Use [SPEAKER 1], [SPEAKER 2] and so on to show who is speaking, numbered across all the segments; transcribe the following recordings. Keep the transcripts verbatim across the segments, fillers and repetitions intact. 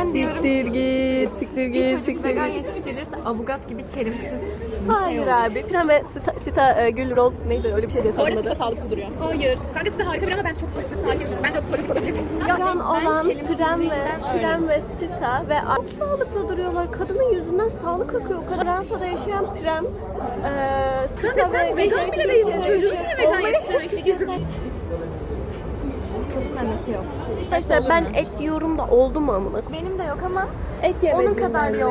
[SPEAKER 1] Ben diyorum
[SPEAKER 2] Siktir git, siktir
[SPEAKER 1] bir
[SPEAKER 2] git,
[SPEAKER 1] çocuk
[SPEAKER 2] siktir
[SPEAKER 1] vegan
[SPEAKER 2] git.
[SPEAKER 1] yetiştirirse avukat gibi çelimsiz bir şey
[SPEAKER 2] Hayır
[SPEAKER 1] olur.
[SPEAKER 2] abi. Pren ve Sita, Sita e, Gül Rose neydi öyle bir şey diye
[SPEAKER 3] Orada
[SPEAKER 2] sanırım
[SPEAKER 3] Sita
[SPEAKER 2] adı.
[SPEAKER 3] sağlıksız duruyor.
[SPEAKER 2] Hayır.
[SPEAKER 3] Kanka Sita harika bir ama ben çok sessiz, sakin. Bence o psikolojik olabilir.
[SPEAKER 2] Vegan olan Pren ve,
[SPEAKER 1] çelimsizliğinden
[SPEAKER 2] Pren ve Sita ve çok sağlıklı duruyorlar. Kadının yüzünden sağlık akıyor. Kadın Fransa'da yaşayan Pren, e, Sita
[SPEAKER 3] Kanka sen
[SPEAKER 2] ve...
[SPEAKER 3] vegan bile değilsin. Çocuğunu niye vegan yetiştirmek istiyorsun?
[SPEAKER 1] Kızın annesi yok.
[SPEAKER 2] Arkadaşlar ben et yiyorum da oldu mu amına?
[SPEAKER 1] Benim de yok ama
[SPEAKER 2] Et yemedim.
[SPEAKER 1] onun kadar
[SPEAKER 2] ben de.
[SPEAKER 1] yok.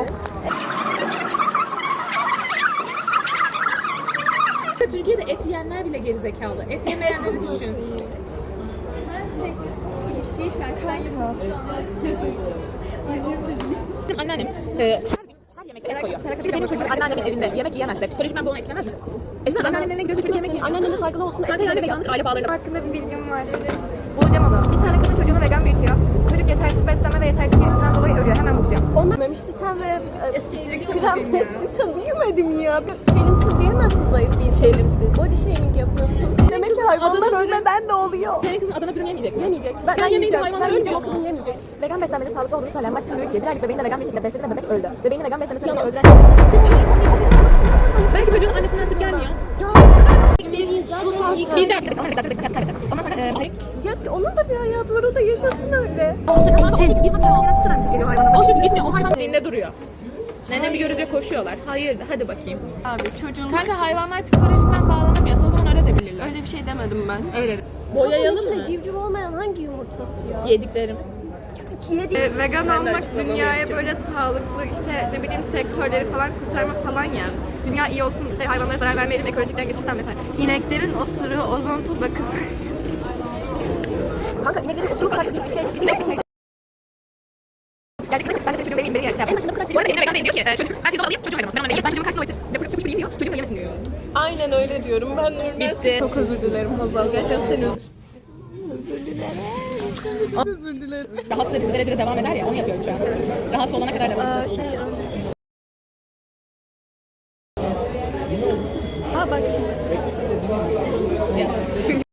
[SPEAKER 3] Türkiye'de et yiyenler bile gerizekalı. Et yemeyenleri düşün. Benim anneannem e, her gün her yemekte et koyuyor. Şimdi benim çocuğum anneannemin evinde yemek yiyemezse psikolojik bu onu etkilemez mi? E sen anneannemin gidiyorsun çünkü yemek yiyor.
[SPEAKER 2] Annene de saygılı olsun.
[SPEAKER 3] Kanka yani veganlık aile bağlarına.
[SPEAKER 1] Hakkında bir bilgim var. Bulacağım onu. Bir tane kadın çocuğunu vegan büyütüyor. Çocuk yetersiz beslenme ve yetersiz gelişimden dolayı ölüyor. Hemen bulacağım.
[SPEAKER 2] Onlar yememiş Sita ve e, Pren ve Sita büyümedim ya. Çelimsiz diyemezsin zayıf bir insan.
[SPEAKER 3] Çelimsiz.
[SPEAKER 2] Body shaming yapıyorsun. Demek ki hayvanlar
[SPEAKER 3] Adana
[SPEAKER 2] ölmeden de oluyor.
[SPEAKER 3] Senin kızın Adana dürüm yemeyecek mi?
[SPEAKER 2] Yemeyecek. Ben,
[SPEAKER 3] Sen
[SPEAKER 2] ben
[SPEAKER 3] yemeyince
[SPEAKER 2] yiyeceğim.
[SPEAKER 3] hayvanlar
[SPEAKER 2] Ben yiyeceğim.
[SPEAKER 3] ölmüyor
[SPEAKER 2] O
[SPEAKER 3] mu?
[SPEAKER 2] kızım yemeyecek.
[SPEAKER 1] Vegan beslenmenin sağlıklı olduğunu söyleyen Maxim Lewis bir aylık bebeğini de vegan bir şekilde besledi ve bebek öldü. Bebeğini vegan beslenmesine rağmen öldüren...
[SPEAKER 3] Belki çocuğun annesinden süt gelmiyor. Bir ders. Ondan sonra e,
[SPEAKER 2] Ya onun da bir hayatı var. O da yaşasın öyle.
[SPEAKER 3] o süt
[SPEAKER 1] O süt geliyor hayvana.
[SPEAKER 3] O süt gitmiyor. O hayvan dinde duruyor. Nenemi görünce koşuyorlar. Hayır, hadi bakayım.
[SPEAKER 2] Abi çocuğun
[SPEAKER 3] Kanka hayvanlar psikolojikmen bağlanamıyorsa o zaman öyle de bilirler.
[SPEAKER 2] öyle bir şey demedim ben.
[SPEAKER 3] Öyle.
[SPEAKER 2] Bunun
[SPEAKER 3] Boyayalım
[SPEAKER 2] içinde
[SPEAKER 3] mı?
[SPEAKER 2] civciv olmayan hangi yumurtası ya?
[SPEAKER 3] Yediklerimiz.
[SPEAKER 2] Yedik.
[SPEAKER 4] E, vegan
[SPEAKER 3] Ben de
[SPEAKER 4] olmak
[SPEAKER 3] açıklama
[SPEAKER 4] dünyaya
[SPEAKER 3] yapacağım.
[SPEAKER 4] böyle sağlıklı işte ne bileyim sektörleri falan kurtarma falan ya. Dünya iyi olsun işte hayvanlara zarar vermeyelim ekolojik denge sistem mesela. İneklerin osuru ozon tabakası.
[SPEAKER 2] Kanka ineklerin ısırık kadar küçük bir şey. Bizim bir şey.
[SPEAKER 4] Gerçekten ben de çocuğum benim beni yer.
[SPEAKER 3] En başında bu kadar Bu arada evine vegan beyin diyor ki e, çocuk herkes alayım çocuğum hayvanı. Ben ona değilim. Ben çocuğumun karşısında o için yapıp çıkmış biri yemiyor. Çocuğum da yemesin diyor.
[SPEAKER 2] Aynen öyle diyorum. Ben de
[SPEAKER 3] Bitti.
[SPEAKER 2] Çok özür dilerim Hazal. Gerçekten seni özür Özür dilerim.
[SPEAKER 3] Rahatsız edici derecede devam eder ya onu yapıyorum şu an. Rahatsız olana kadar devam ediyorum.
[SPEAKER 2] Şey